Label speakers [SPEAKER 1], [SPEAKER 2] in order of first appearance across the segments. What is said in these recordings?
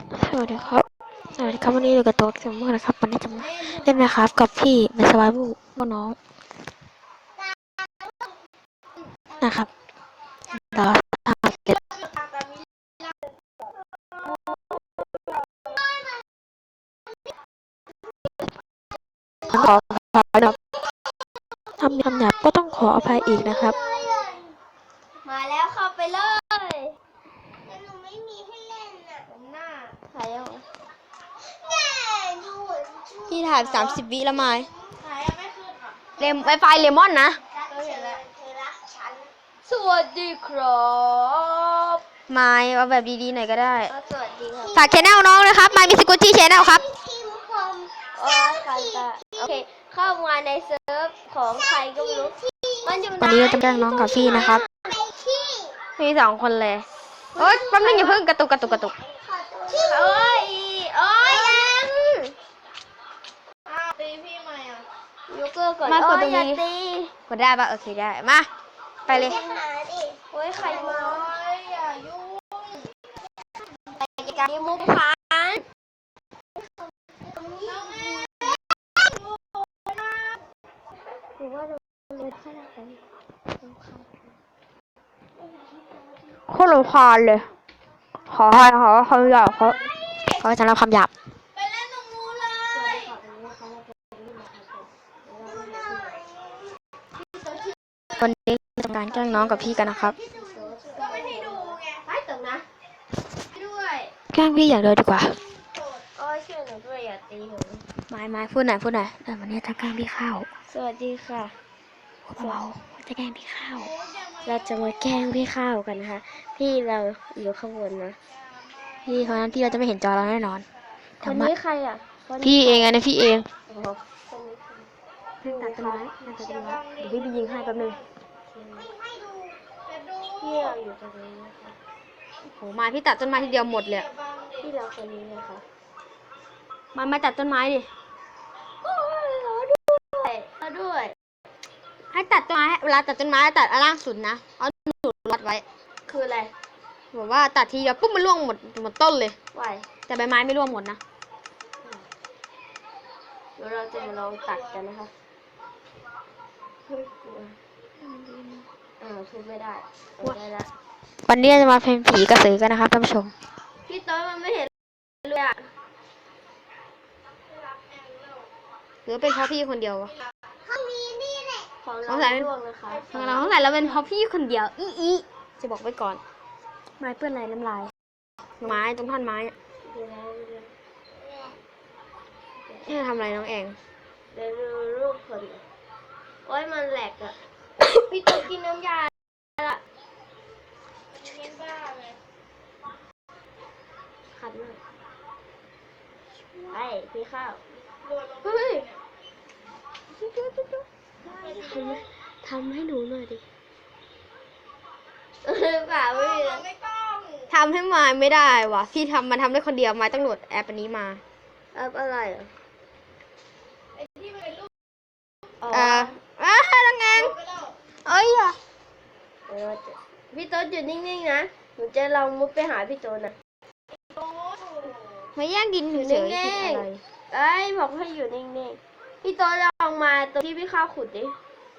[SPEAKER 1] สวัสดีครับวันนี้อยู่กับตัวเกมเมอร์นะครับวันนี้จะมาเล่นนะครับกับพี่ในสวายบูน้องนะครับเราทำเสร็จขออภัยครับทำคำหยาบก็ต้องขออภัยอีกนะครับ
[SPEAKER 2] มาแล้วเข้าไปเลยแต่หนูไม่มีให้เล่นน่ะหน้าถ่ายยังพี่ถ่าย30 วิแล้วไม้ถ่ายไม่ขึ้นอ่ะไวไฟเลมอนนะสวัสดีครับไม้เอาแบบดีๆหน่อยก็ได้สวัสดีครับฝากชแนลน้องนะครับไม้มีสกุตตี้ชแนลครับโอเคเข้ามาในเซิร์ฟของใครก็ไม่รู้
[SPEAKER 1] วันนี้เราจะแกล้งน้องกับพี่นะครับ
[SPEAKER 2] มี2 คนเลยโอ๊ยแป๊บนึงอย่าเพิ่งกระตุกโอ๊ยยังตีพี่ใหม่อ่ะยกเลิกก่อนมากดตรงนี้กดได้ปะโอเคได้มาไปเลยโอ๊ยใครมาอย่ายุ่งไปกันมุกพันหรือว่าเราเลยข้างหน้าไปโคตรรำคาญเลยขอคำหยาบ
[SPEAKER 1] เขาจะรับคำหยาบ
[SPEAKER 2] ไปเล่นตรงนู้นเลย
[SPEAKER 1] วันนี้ทำการแกล้งน้องกับพี่กันนะครับ
[SPEAKER 2] ก็ไม่ให้ดูไงไปตรงนะด้วย
[SPEAKER 1] แกล้งพี่อย่างเดียวดีกว่า
[SPEAKER 2] โอ้ยช่วยหนูด้วยอย่าตีหนู
[SPEAKER 1] ไม้พูดหน่อยวันนี้จะแกล้งพี่ข้าว
[SPEAKER 2] สวัสดีค่ะ
[SPEAKER 1] เราจะแกล้งพี่ข้าว
[SPEAKER 2] เราจะมาแกล้งพี่ข้าวกันนะคะพี่เราอยู่ข้างบนนะ
[SPEAKER 1] พี่คนนั้นพี่เราจะไม่เห็นจอเราแน่นอน
[SPEAKER 2] คนนี้ใครอ่ะ
[SPEAKER 1] พี่เองนะพี่เอง
[SPEAKER 2] ตัดต้นไม้เดี๋ยวพี่ไปยิงให้แป๊บนึงพี่เราอยู่ตรงนี้นะคะ
[SPEAKER 1] โหมาพี่ตัดต้นไม้ทีเดียวหมดเลย
[SPEAKER 2] พี่เราคนนี้นะคะ
[SPEAKER 1] มาตัดต้นไม้ดิ
[SPEAKER 2] เราด้วย
[SPEAKER 1] ให้ตัดต้นไม้เวลาตัดต้นไม้ตัดอันล่างสุดนะเอาหนุนวัดไว้
[SPEAKER 2] คืออะไร
[SPEAKER 1] แบบว่าตัดทีเดียวปุ๊บมันร่วงหมดต้นเลย
[SPEAKER 2] ไหว
[SPEAKER 1] แต่ใบไม้ไม่ร่วงหมดนะ
[SPEAKER 2] เดี๋ยวเราจะมาลองตัดกันนะคะทุบไม่ได้ได้แล้ว
[SPEAKER 1] วันนี้จะมาเพลงผีกระสือกันนะครับท่านผู้ชม
[SPEAKER 2] พี่ต้นมันไม่เห็นเลยอ่ะ
[SPEAKER 1] หรือเป็นเพราะพี่คนเดียววะ
[SPEAKER 2] ของเราร่วงนะคะ
[SPEAKER 1] เราเป็นเพราะพี่คนเดียวอีจะบอกไว้ก่อนไม้เปื้อนอะไรน้ำลายไม้ตรงท่อนไม้นี่ทำอะไรน้องเอง
[SPEAKER 2] เดี๋ยวดูรูปคนโอ้ยมันแหลกอ่ะพี่ต้นกินน้ำยาละขัดมากไอ้พี่ข้าวเฮ้ย
[SPEAKER 1] ทำให้หนูหน่อยดิ
[SPEAKER 2] เปล่าไม่
[SPEAKER 1] ทำให้ไม้ไม่ได้วะพี่มันทำได้คนเดียวไม้ต้องโหลดแอปอันนี้มา
[SPEAKER 2] แอปอะไรอ่ะ
[SPEAKER 1] น้องแองเอ้ยอ่ะ
[SPEAKER 2] พี่โต๊ดอยู่นิ่งๆนะหนูจะลองมุดไปหาพี่โต๊ดนะ
[SPEAKER 1] ไม่แย่งกินเฉยๆ
[SPEAKER 2] ไอ้บอกให้อยู่นิ่งๆพี่โต๊ดลองมาตรงที่พี่ข้าวขุดดิ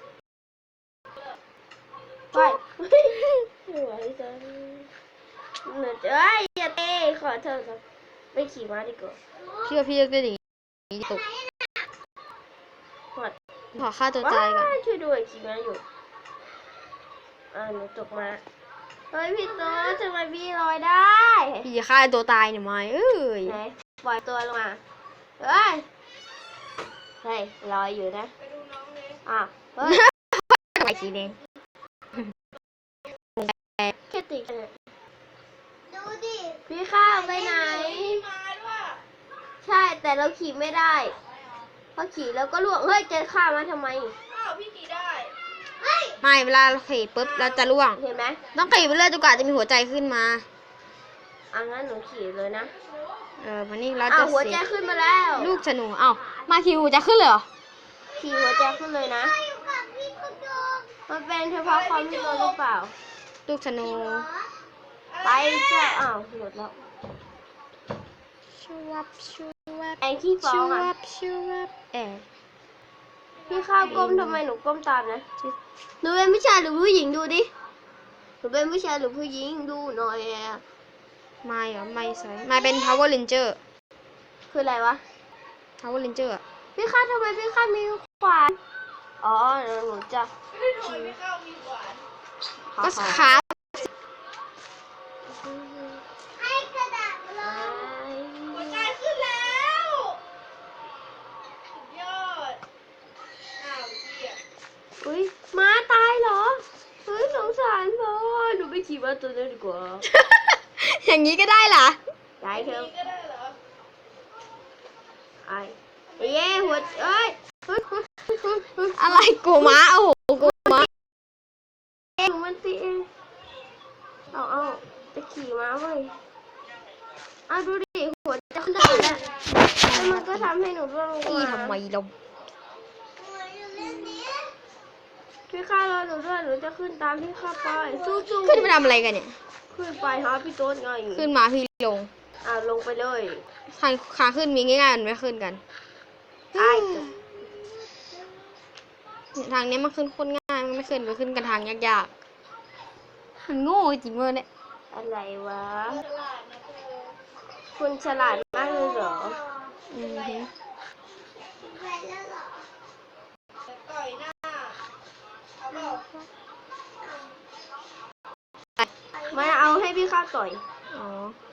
[SPEAKER 2] ไปหัวพี่โต๊ดหนูจะอย่าเตะขอเธอครับไปขี่ม้าดีกว่า
[SPEAKER 1] พี่ก็ดีตกขอฆ่าตัวตายก่อน
[SPEAKER 2] ช่วยด้วยขี่ม้าอยู่หนูตกมาเฮ้ยพี่โต๊ดทำไมพี่ลอยได้
[SPEAKER 1] พี่จะฆ่าตัวตายเนี่ยไหม
[SPEAKER 2] ไหนปล่อยตัวลงมาเฮ้ยลอยอยู่นะเฮ้ย
[SPEAKER 1] ไปสีแดง
[SPEAKER 2] แค่ติดดูดิพี่ข้าวไปไหนใช่แต่เราขี่ไม่ได้พอขี่แล้วก็ล่วงเฮ้ยจะข้ามาทำไมพี่ขี่ได้
[SPEAKER 1] ไม่เวลาเราขี่ปุ๊บเราจะล่วง
[SPEAKER 2] เห็นไหม
[SPEAKER 1] ต้องขี่ไปเรื่อยจนกว่าจะมีหัวใจขึ้นมา
[SPEAKER 2] งั้นหนูขี่เลยนะ
[SPEAKER 1] วันนี้เราจะ
[SPEAKER 2] หัวใจขึ้นมาแล้ว
[SPEAKER 1] ลูกฉนูมาขี่หัวใจขึ้นเลยเหรอ
[SPEAKER 2] ขี่หัวใจขึ้นเลยนะมันเป็นเฉพาะความที่เราหรือเปล่า
[SPEAKER 1] ลูกฉนู
[SPEAKER 2] ไปจ้ะหลุดแล้ว
[SPEAKER 1] ชูวับชูวับ
[SPEAKER 2] แองขี้ฟ้อ
[SPEAKER 1] ชู
[SPEAKER 2] งอ่ะ
[SPEAKER 1] วับชูวับ
[SPEAKER 2] พี่ข้าวก้มทำไมหนูก้มตามนะหนูเป็นผู้ชายหรือผู้หญิงดูดิหนูเป็นผู้ชายหรือผู้หญิงดูหน่อยอะ
[SPEAKER 1] ไม่เหรอไม่ใส่ไม่เป็น Power Ranger
[SPEAKER 2] คืออะไรวะ
[SPEAKER 1] Power Ranger อะ
[SPEAKER 2] พี่ข้าวทำไมพี่ข้าวมีขวานอ๋อเดี๋ยวหนูจะ
[SPEAKER 1] ก็ขา
[SPEAKER 2] ให้กระดาษเลย
[SPEAKER 3] หัวใจขึ้นแล้วสุดยอดอ้าวเหี้ย
[SPEAKER 2] อุ้ยม้าตายเหรอเฮ้ยสงสารพ่อหนูไปขี่ม้าตัวนั้นดีกว่า
[SPEAKER 1] อย่างนี้ก็ได้เหรอ
[SPEAKER 2] ได้เถอะ
[SPEAKER 3] นี่ก็ได้เหรอ
[SPEAKER 2] ไอ้เย้หัวเอ้ยเฮ้ย
[SPEAKER 1] อะไรกูม้าโอ้โหกูม้า
[SPEAKER 2] หนูมันตีเองเอาจะขี่ม้าเว้ยเอาดูดิหัวจะขึ้นได้แล้วแล้วมันก็ทำให้หนูร่วงลง
[SPEAKER 1] ตี
[SPEAKER 2] มา
[SPEAKER 1] ทำไมเรา
[SPEAKER 2] พี่ข้ารอหนูด้วยหนูจะขึ้นตามพี่ข้าไปสู้ๆ
[SPEAKER 1] ขึ้นไปทำอะไรกันเนี่ย
[SPEAKER 2] ขึ้นไปหาพี่โต๊ดไง
[SPEAKER 1] ขึ้นมาพี่ลง
[SPEAKER 2] ลงไปเลย
[SPEAKER 1] ทางขาขึ้นมีง่ายๆมันไม่ขึ้นกัน
[SPEAKER 2] ไอ้
[SPEAKER 1] ทางนี้มันขึ้นโคนง่ายมันไม่ขึ้นไปขึ้นกันทางยากๆมันโง่จริงเลยเนี่ย
[SPEAKER 2] อะไรวะคุณฉลาดมากเลยเหรอ
[SPEAKER 1] อือฮึ
[SPEAKER 3] ต่อยหน้าเอาเปล่า
[SPEAKER 2] ไม่เอาให้พี่ข้าต่อย
[SPEAKER 1] อ๋อ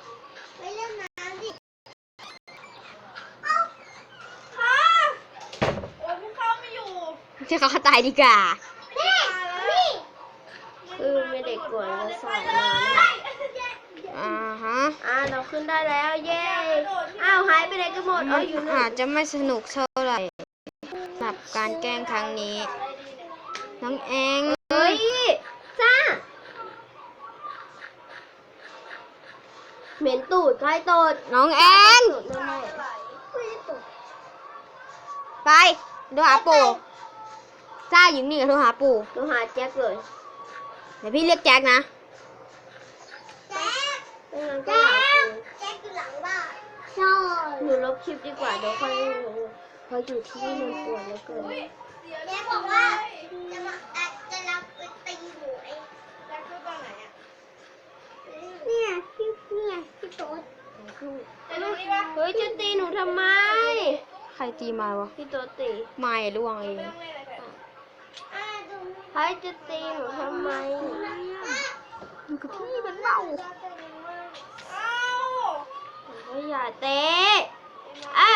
[SPEAKER 3] โอ้ยพี่เข้าไม่อยู่
[SPEAKER 1] ที่เขาตายดีกว่า
[SPEAKER 3] ตายแล้ว
[SPEAKER 2] คือไม่เด็กกวนจะสอนมา
[SPEAKER 1] อ่าฮะ
[SPEAKER 2] เราขึ้นได้แล้วเย้หายไปไหนกันหมด
[SPEAKER 1] มัน
[SPEAKER 2] อยู่นู่
[SPEAKER 1] อาจ
[SPEAKER 2] น
[SPEAKER 1] จะไม่สนุกเท่าไหร่สำหรับการแกล้งครั้งนี้ น้องแอง
[SPEAKER 2] เฮ้ยจ้าเหม็นตูดใครตูด
[SPEAKER 1] น้องแอง
[SPEAKER 2] ตูดแน่ๆไม่ได้ตูด
[SPEAKER 1] ไปดูหาปู่จ้าอยู่นี่กับโทรหาปู่
[SPEAKER 2] หนูหาแจ็คเลย
[SPEAKER 1] เดี๋ยวพี่เรียกแจ็คนะ
[SPEAKER 2] ไม่งั้นก็หาคุณ
[SPEAKER 3] แจ็คอยู่หลังบ้าน
[SPEAKER 2] ใช่หนูลบคลิปดีกว่าเดี๋ยวค่อยเพราะอยู่ที่นี่มันปวดเหลือเกิน
[SPEAKER 3] แจ็คบอกว่าจะรับไปตีหนูเองแจ็คคือตอนไหนอ่ะ
[SPEAKER 2] เนี่ยพี่โต๊ด
[SPEAKER 3] จะดูนี่ปะ
[SPEAKER 2] เฮ้ยจะตีหนูทำไม
[SPEAKER 1] ใครตีมาวะ
[SPEAKER 2] พี่โต๊ดตี
[SPEAKER 1] ไม่ล่วงเอง
[SPEAKER 3] ไม่ต้องเล่นอะไรกันดู
[SPEAKER 2] ใครจะตีหนูทำไม
[SPEAKER 1] อยู่กับพี่เป็นเมา
[SPEAKER 3] อ้าว
[SPEAKER 2] ก็อย่าเตะอ่ะ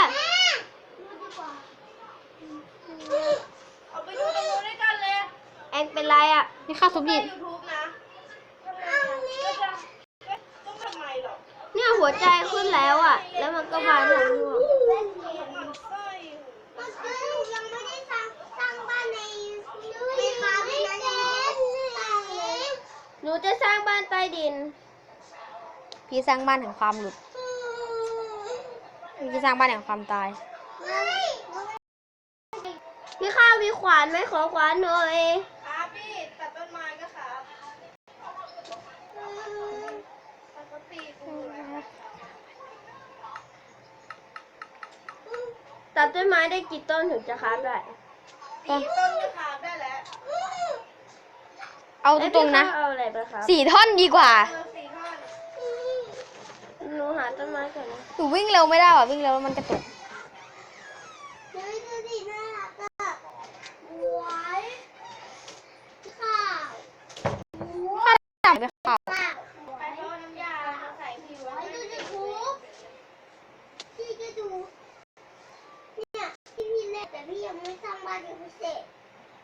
[SPEAKER 3] เอาไปดูตรงนู้นด้วยกันเลย
[SPEAKER 2] เอ็งเป็นไรอ่ะ
[SPEAKER 1] นี่ค่าซุป
[SPEAKER 3] ใน
[SPEAKER 1] ดิ
[SPEAKER 3] ยูทูบนะก็จะต้องทำไมหรอ
[SPEAKER 2] เนี่ยหัวใจขึ้นแล้วอ่ะ แล้วมันก็มาทางนู้น
[SPEAKER 3] มันไส้ยังไม่ได้สร้างบ้านในไม่ค่ะไม่ได้สร้างเลย
[SPEAKER 2] หนูจะสร้างบ้านใต้ดิน
[SPEAKER 1] พี่สร้างบ้านแห่งความหลุดพี่สร้างบ้านแห่งความตาย
[SPEAKER 2] พี่ข้าวมีขวานไหมขอขวานหน่อย
[SPEAKER 3] ครับพี่ตัดต้นไม้ก็ครับตัดต้นตีกูแล้ว
[SPEAKER 2] ตัดต้นไม้ได้กี่ต้นถึงจะค้าฟได้
[SPEAKER 3] ตีต้นก็ครับได้แล้ว
[SPEAKER 1] เอาตรงๆนะ
[SPEAKER 2] เอ้ยพี่ข้าวเอาอะไรไปครับ
[SPEAKER 1] 4 ท่อนดีกว่า
[SPEAKER 3] 4 ท่อน
[SPEAKER 2] หนูหาต้นไม้ก่อนนะ
[SPEAKER 1] หนูวิ่งเร็วไม่ได้หรอวิ่งเร็วแล้วมันกระตุก
[SPEAKER 3] เฮ้ยดูดิน่ารักอ่ะหวยข้าว
[SPEAKER 1] จับไปข่าว
[SPEAKER 3] ไปทอดน้ำยามาใส่ผิวให้ดูยูทูบพี่ก็ดู เนี่ยพี่เล่นแต่พี่ยังไม่สร้างบ้านยังไม่เสร็จ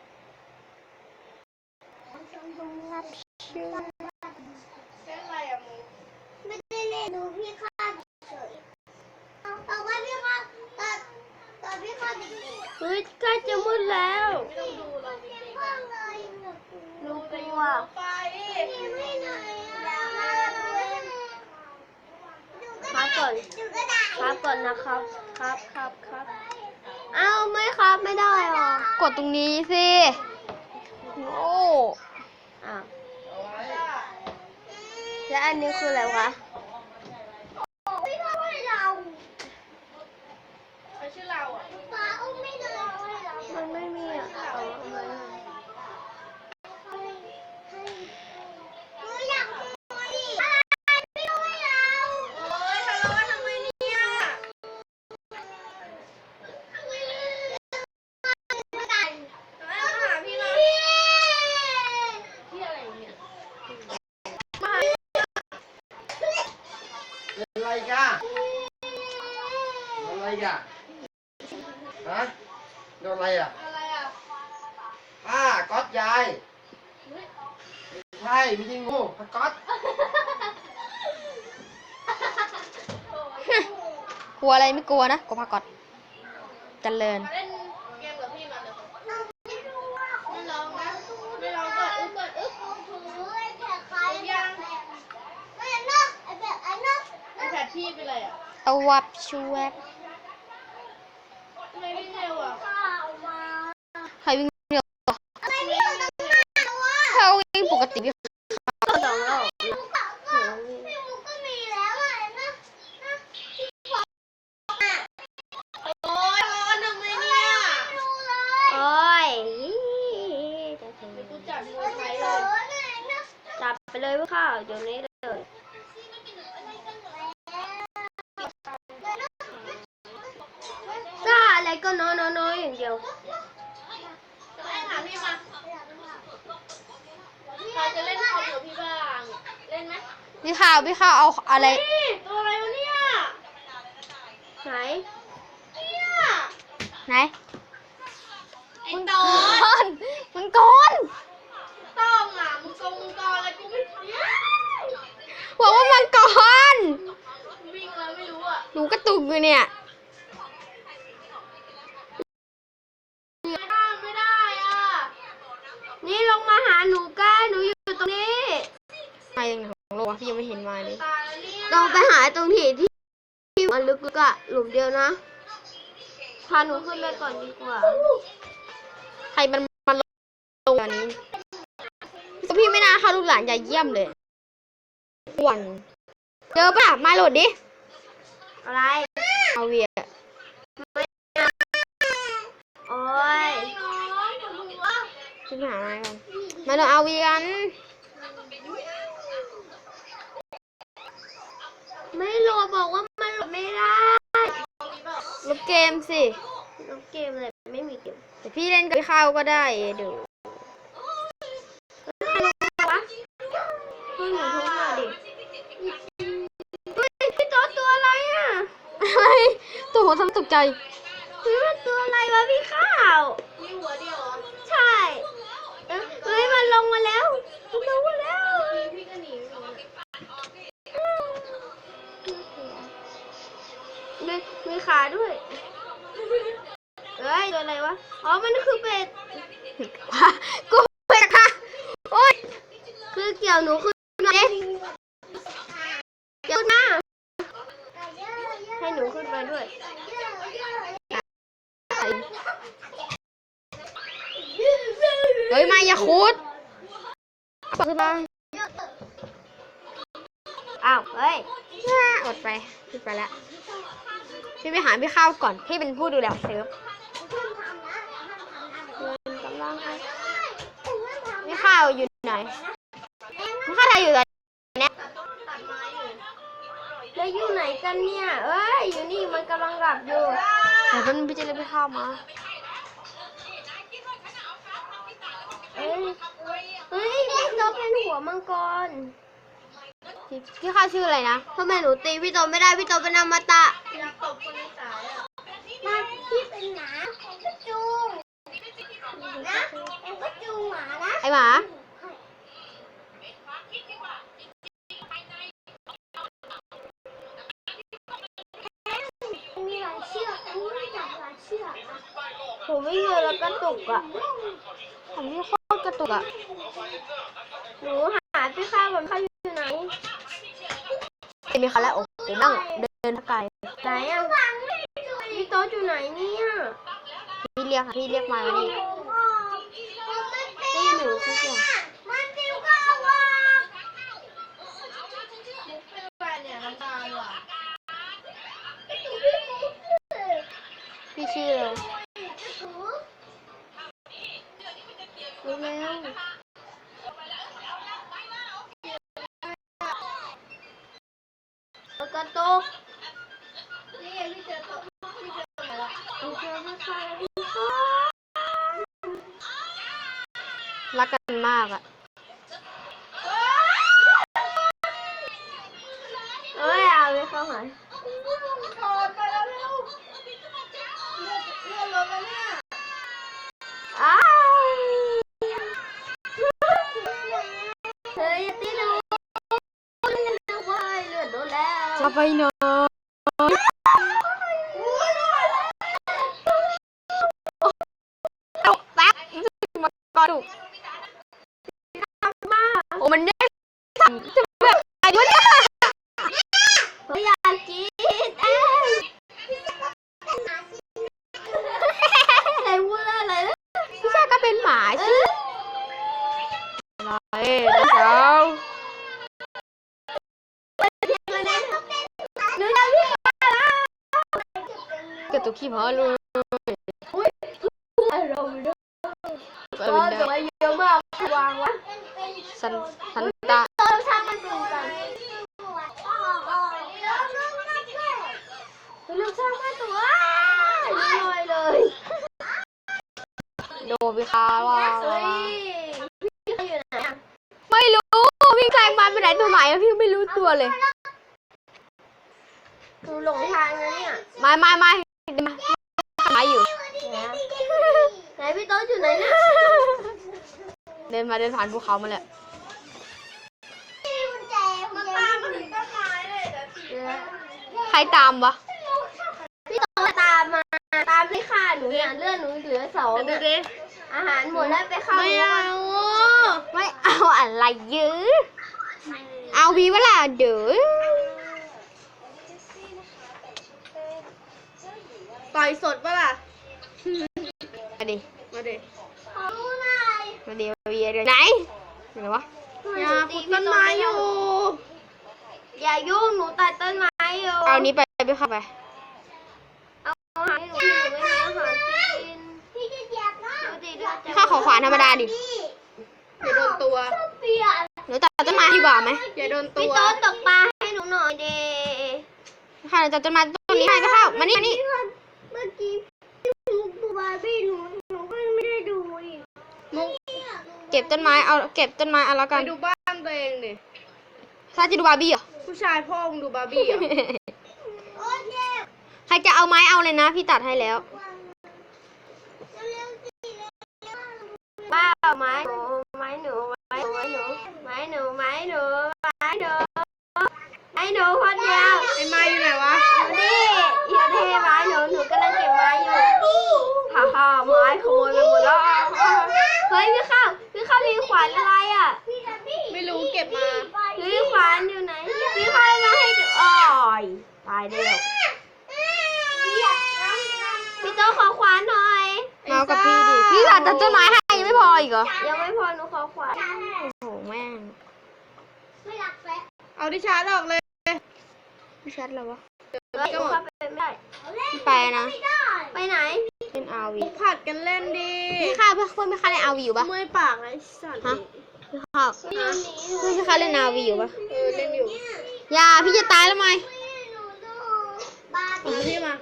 [SPEAKER 3] เล่นอะไรอะมูไม่ได้เล่นดูพี่ข้าเฉยเอาว่าพี่ข้าตอนพี่ข้าเด็กๆอะ
[SPEAKER 2] เฮ้ยใกล้จะมืดแล้ว
[SPEAKER 3] ไม่ต้องดูเราจริงๆ
[SPEAKER 2] ห
[SPEAKER 3] อะ
[SPEAKER 2] นูกลัว
[SPEAKER 3] ไป
[SPEAKER 2] ค้าก่อน
[SPEAKER 3] ดูก็ได้
[SPEAKER 2] ค้าก่อนนะครับ ครับเอ้าไม่ครับไม่ได้หรอก
[SPEAKER 1] ดตรงนี้สิโอ้
[SPEAKER 2] อ้าวแล้วอันนี้คืออะไรวะ
[SPEAKER 3] พี่พ่อให้เรา
[SPEAKER 4] อะไรกันโดนอะไรกันฮะโดนอะไรอ่ะผ้าก๊อตยายไม่ใช่ไม่ใช่งูผ้าก๊อต
[SPEAKER 2] กลัวอะไรไม่กลัวนะกลัวพากอดเจริญ
[SPEAKER 3] เล่นเกมกับพี่มาเลยไม่ลองนะไม่ลองก่อนอึ๊บไอ้แผลใครยังไอ้นกไอ้แผลพี่เป็นไรอ่ะ
[SPEAKER 2] เอาวับชูแวบ
[SPEAKER 3] ทำไมวิ่งเร็วอ่ะ
[SPEAKER 2] ใครวิ่งเร็ว
[SPEAKER 3] อะไรวิ่งตรงนั้นวะ
[SPEAKER 2] เขาวิ่งปกติวิ่ง
[SPEAKER 1] สองรอบ
[SPEAKER 3] พี่มุกก็มีแล้วอ่ะนะโอ้ยร้อนทำไมเนี่ยไม่รู้เลย
[SPEAKER 1] โอ้ย
[SPEAKER 3] กูจับมือใครเลย
[SPEAKER 1] จับไปเลยพวกข้าวเดี๋ยวนี้เลยซ่าอะไรก็น้อยอย่างเดียว
[SPEAKER 3] ไปหาพี่มาใครจะเล่นคอมกับพี่บ้างเล่นไหม
[SPEAKER 2] พี่ข้าวเอาอะไร
[SPEAKER 3] นี่ตัวอะไรวะเนี่ย
[SPEAKER 1] ไหน
[SPEAKER 3] เนี่ย
[SPEAKER 2] ไหน
[SPEAKER 3] ไอ้ตอ
[SPEAKER 2] ก้อนมันกอน
[SPEAKER 3] ต้องอ่ะมึงกออะไรกูไม่เนี่ย
[SPEAKER 2] บอกว่ามันกอน
[SPEAKER 3] วิ่งแล้วไม่รู้อ่ะ
[SPEAKER 2] หนูกระตุกอยู่เนี่ย
[SPEAKER 3] ไม่ได้อ่ะ
[SPEAKER 1] นี่ลงมาหาหนูกันหนูอยู่ตรงนี้
[SPEAKER 2] มาอย่างไหนของโลกวะพี่ยังไม่เห็นมาเลย
[SPEAKER 3] ตายแล้วเนี่ย
[SPEAKER 1] ต้องไปหาตรงที่มันลึกๆอะหลุมเดียวนะพาหนูขึ้นไปก่อนดีกว่า
[SPEAKER 2] ใครมันลงตอนนี้พี่ไม่น่าเข้าลูกหลานอย่าเยี่ยมเลยอ้วนเจอป่ะมาโหลดดิ
[SPEAKER 1] อะไร
[SPEAKER 2] เอาเวีย
[SPEAKER 1] โอ้ย
[SPEAKER 3] น้องปวดหัว
[SPEAKER 2] ขึ้นหาอะไรกันมาโหลดเอาเวียกัน
[SPEAKER 1] ไม่โหลดบอกว่ามันโหลดไม่ได้
[SPEAKER 2] ลบเกมสิ
[SPEAKER 1] น้องเกมอะไรไม่มีเกม
[SPEAKER 2] แต่พี่เล่นกับพี่ข้าวก็ได้เดี๋ยว
[SPEAKER 1] วะเฮ้ยหนูโทรมาดิเฮ้ยพี่โต๊ะตัวอะไรอ่ะ
[SPEAKER 2] อะไรตัวหัวทำตกใจ
[SPEAKER 1] เฮ้ยมันตัวอะไรวะพี่ข้าว
[SPEAKER 3] มีหัวเดียวเหรอ
[SPEAKER 1] ใช่เฮ้ยมันลงมาแล้วมันลงมาแล้ว
[SPEAKER 3] พี่ก็หนีไม่รู้เนี่ย
[SPEAKER 1] มีขาด้วยเฮ้ยตัวอะไรวะอ๋อมันคือเป็ด
[SPEAKER 2] กูไปค่ะโอ๊ย
[SPEAKER 1] คือเกี่ยวหนูขึ้นมาเกี่ยวขึ้นมาให้หนูขึ้นไปด้วย
[SPEAKER 2] เฮ้ยมาอย่าคุดขึ้นมา
[SPEAKER 1] อ้าวเฮ้ย
[SPEAKER 2] อดไปขึ้นไปแล้วพี่ไปหาพี่ข้าวก่อนพี่เป็นผู้ดูแลเซิร์ฟ
[SPEAKER 1] กำลังให้
[SPEAKER 2] พี่ข้าวอยู่ไหนพี่ข้าวไทยอยู่ไหนเนี่ย
[SPEAKER 3] ตัดไม้อยู่
[SPEAKER 1] แล้วอยู่ไหนกันเนี่ยเอ้ยอยู่นี่มันกำลังหลับอยู่
[SPEAKER 2] เดี๋ยวพี่จะเรียกพี่ข้าวมา
[SPEAKER 1] เอ้ยเฮ้ยพี่โตเป็นหัวมังกร
[SPEAKER 2] พี่ข้าวชื่ออะไรนะ
[SPEAKER 1] ทำไมหนูตีพี่โตไม่ได้พี่โตเป็นอมตะ
[SPEAKER 3] อยากตบคนในสายอ่ะ
[SPEAKER 1] มาพี่เป็นหมาผมก็จูงนะผมก็จูงหมานะ
[SPEAKER 2] ไอหมา
[SPEAKER 1] มีหลายเชือกอันนี้ไม่จับหลายเชือกผมไม่เจอแล้วกระตุกอ่ะ
[SPEAKER 2] ผมนี่โคตรกระตุกอ่ะ
[SPEAKER 1] หนูหาพี่ข้าวผมข้าวอยู่ไหน
[SPEAKER 2] มีเขาแล้วโอ้โหนั่งเดินไกล
[SPEAKER 1] ไหนอ่ะพี่โตอยู่ไหนเนี่ย
[SPEAKER 2] พี่เรียกค่ะพี่เรียกมาแล้วนี่
[SPEAKER 1] ตีหนูสักอย่าง
[SPEAKER 3] มันติวก็เอาว่ะเป็นแฟนเนี่ยน้ำตาลว่ะ
[SPEAKER 2] พี่ชื่ออะไร
[SPEAKER 1] รู้แล้วกระตุก
[SPEAKER 3] นี่ไงพี่เจอตัวพี่เจอตัวแล้ว
[SPEAKER 1] เอาเจอพี่ข้าวพี่ข้าว
[SPEAKER 2] รักกันมากอ่ะ
[SPEAKER 1] เอ้ยเอาพี่เข้าหาย
[SPEAKER 3] ถอดไปแล้วเร็วเลื่อนรถแล้วเนี่ย
[SPEAKER 1] อ้าวเฮ้ยตีหนูว้ายเลือดโดนแล้ว
[SPEAKER 2] จะไปนอนตกแป๊บมากระดูก
[SPEAKER 1] มา
[SPEAKER 2] โอ้มันได้จะแบบอายุเนี่ย
[SPEAKER 1] เฮ้ยอยากกินเอ้ยอะไรพูดอะไรนะ
[SPEAKER 2] พี่ชายก็เป็นหมาสิอะไรเจ้า
[SPEAKER 1] หนูจะวิ่งมาแล้ว
[SPEAKER 2] เกิดตัวขี้หมาเลย
[SPEAKER 1] อารมณ์ด้วย
[SPEAKER 2] ไป
[SPEAKER 1] ก็
[SPEAKER 2] เป็น
[SPEAKER 1] จะ
[SPEAKER 2] ได้
[SPEAKER 1] มาเยอะมากวางวะ
[SPEAKER 2] สันตา
[SPEAKER 1] เติมช่างมันดูกันเรื่องช่างมันตัวลอยเลย
[SPEAKER 2] โดนพี่คาว่า
[SPEAKER 1] เฮ้ยพี่เขาอยู่ไหนอะ
[SPEAKER 2] ไม่รู้พี่แซงมาไปไหนตัวไหนอะพี่ไม่รู้ตัวเลย
[SPEAKER 1] หนูหลงทางนะเนี่ย
[SPEAKER 2] ไม่มาอยู่
[SPEAKER 1] ไหนพี่โต๊ะอยู่ไหนเนี่ย
[SPEAKER 2] เดินผ่านภูเขามาแหละ
[SPEAKER 3] มันตามมาถึงต้นไม้เลยแต่ที
[SPEAKER 2] ใครตามวะ
[SPEAKER 1] พี่โต๊ะตามมาตามที่ฆ่าหนูเนี่ยเลือดหนูเหลือ2เนี่ยอาหารหมดแล้วไปเข้า
[SPEAKER 2] ไม่เอาอะไรเยอะเอาวีเวลาเด้อ
[SPEAKER 3] ต่อยสดปะล่ะ
[SPEAKER 2] มาดิ
[SPEAKER 3] มาดิ
[SPEAKER 2] มาดิมาวีไหนไหนวะ
[SPEAKER 3] อย่าขุดต้นไม้อยู่
[SPEAKER 1] อย่ายุ่งหนูตัดต้นไม้อยู่
[SPEAKER 2] เอานี้ไปเข้าไป
[SPEAKER 1] เอาอาหารให้หนูพี่หนูไม่มีอาหารกินพี่จะเหยียบนะดูดิดูจะ
[SPEAKER 2] ข้าขอขวานธรรมดาดิ
[SPEAKER 3] อย่าโดนตัว
[SPEAKER 1] เปลี่ยน
[SPEAKER 2] หนูตัดต้นไม้ดีกว่าไหม
[SPEAKER 3] อย่าโดนตั
[SPEAKER 1] พี่
[SPEAKER 3] ว
[SPEAKER 1] โต๊ะตกปลาให้หนูหน่อยเด
[SPEAKER 2] ข้าจะต้นไม้ต้นนี้ให้ก็เข้ามานี่
[SPEAKER 1] เมื่อกี้ดูบาร์บี้หนูก็ไม่ได้ดูอีก
[SPEAKER 3] มุก
[SPEAKER 2] เก็บต้นไม้เอาแล้ว
[SPEAKER 3] ไป
[SPEAKER 2] กัน
[SPEAKER 3] ดูบ้านตัวเองดิ
[SPEAKER 2] ถ้าจะดูบาร์บี้เหรอ
[SPEAKER 3] ผู้ชายพ่อมึงดูบาร์บี้เหรอ
[SPEAKER 2] ใครจะเอาไม้เอาเลยนะพี่ตัดให้แล้ว
[SPEAKER 1] บ้าไม้หนูไม้หนูไม้หนูไม้หนูไม้หนูไม้หนูไม้หนูคนเดียว
[SPEAKER 3] ไอ้ไม้อยู่ไหนวะ
[SPEAKER 1] นี่อย่าเทไม้หนูกำลังเก็บไม้อยู่ฮ่าฮ่าไม้ขโมยไปหมดแล้วเฮ้ยพี่ข้าวมีขวานอะไรอ่ะ
[SPEAKER 3] ไม่รู้เก็บมา
[SPEAKER 1] พี่ขวานอยู่ไหนพี่ข้าวมาให้ดูอ้อยตายแล้วพี่โตขอขวานหน่อย
[SPEAKER 2] เอากับพี่ดิ พี่ตัดต้นไม้ให้ยังไม่พออีกเหรอ
[SPEAKER 1] ยังไม่พอหนูขอขวาน
[SPEAKER 2] โอ้โหแม่ง
[SPEAKER 3] เอาที่ชาร์จออกเลย
[SPEAKER 2] ไม่ชัดแล้ววะ
[SPEAKER 1] เฮ้ยหนูเข้าไปไม่ได้
[SPEAKER 2] พี่ไปนะ
[SPEAKER 1] ไปไหน
[SPEAKER 2] เล่นอาวี
[SPEAKER 3] ผัดกันเล่นดิ
[SPEAKER 2] พี่ข้าวเพื่อนพี่ข้าวเล่นอาวีอยู่ปะ
[SPEAKER 3] เมื่อยปากเลยสัตว์
[SPEAKER 2] ฮะพี่ข้าวเพื่อนพี่ข้าวเล่นอาวีอยู่ปะ
[SPEAKER 3] เล่นอยู่
[SPEAKER 2] อย่าพี่จะตายแล้วไหม
[SPEAKER 3] เอาพี่มา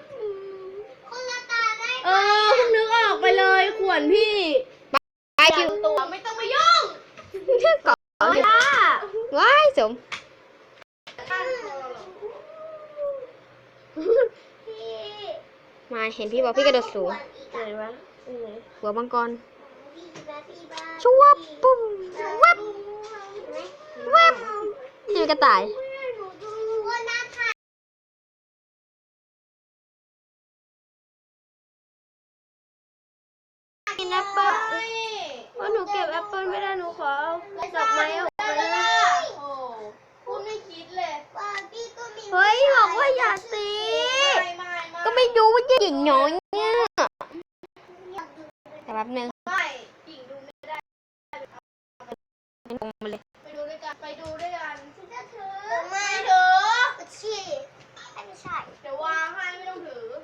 [SPEAKER 3] เพิ่งนึกออกไปเลยขวนพี่
[SPEAKER 2] ไปคิว
[SPEAKER 3] ตัวไม่ต้องมายุ่ง
[SPEAKER 2] ก่อน
[SPEAKER 1] เอาล่ะ
[SPEAKER 2] ว้ายสมมาเห็นพี่บอกพี่กระโดดสูง
[SPEAKER 1] ไหนวะไหน
[SPEAKER 2] หัวมังกรชวับปุ้มวับวับนี่มันกระต่าย
[SPEAKER 1] กินแอปเปิ้ลเพราะหนูเก็บแอปเปิ้ลไม่ได้หนูขอเอาดอกไม้ออกไปเลย
[SPEAKER 3] โอ้พูดไม่คิดเลย
[SPEAKER 1] เฮ้ยบอกว่าอย่าตี
[SPEAKER 2] ก็ไม่รู้ว่าจะหญิงน้อยเนี่ยแต่แป๊บนึง
[SPEAKER 3] ไม่หญิงดูไม่ได้
[SPEAKER 2] ลงมาเลย
[SPEAKER 3] ไปดูด้วยกันไปดูด้วยกัน
[SPEAKER 1] ไม่ถือไม่ใช่
[SPEAKER 3] เดี๋ยววางให้ไม่ต้องถือ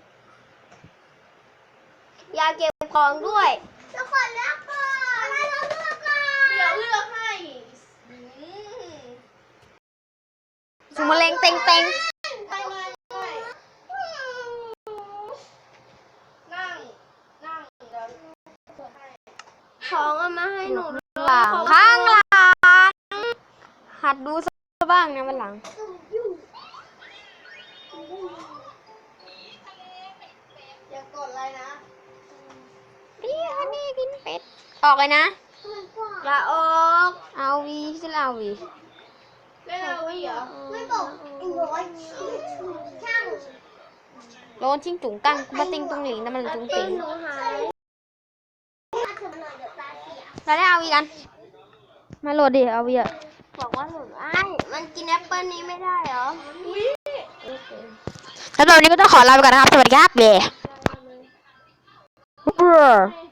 [SPEAKER 1] อย่าเก็บของด้วยทุกคนเลือกก่อนให้เราเลือกก่อน
[SPEAKER 3] เดี๋ยวเลือกให้อืม
[SPEAKER 2] สุมาเลงเต็งเต็ง
[SPEAKER 3] ไม่นั่งเดี๋ยวเปิดให้
[SPEAKER 1] ของเอามาให้หนูด้วย
[SPEAKER 2] หลังข้างหลังหัดดูซะบ้างนะวันหลัง
[SPEAKER 3] อย่ากดอะไรนะ
[SPEAKER 2] พี่ฮันนี่กินเป็ด ออกเลยนะ
[SPEAKER 1] อย่าออก
[SPEAKER 2] เอาวีจะเอาวี
[SPEAKER 3] เล่นเอาไว้เหรอ
[SPEAKER 1] ไม่บอกไอ้น้อยช่าง
[SPEAKER 2] โลนชิงจุ๋งกังกูมาติงตุงหลิงแต่มันจุ๋งติง
[SPEAKER 1] หนูหายถ้าเธอมาหน่อยเดี๋ยวตาเสีย
[SPEAKER 2] เราได้เอาวีกัน มาโหลดดิเอาวีอะ
[SPEAKER 1] บอกว่าหนูมันกินแอปเปิ้ลนี้ไม่ได้เหรอ
[SPEAKER 2] แล้วตอนนี้ก็ต้องขอลาไปก่อนนะครับ สวัสดีครับเบ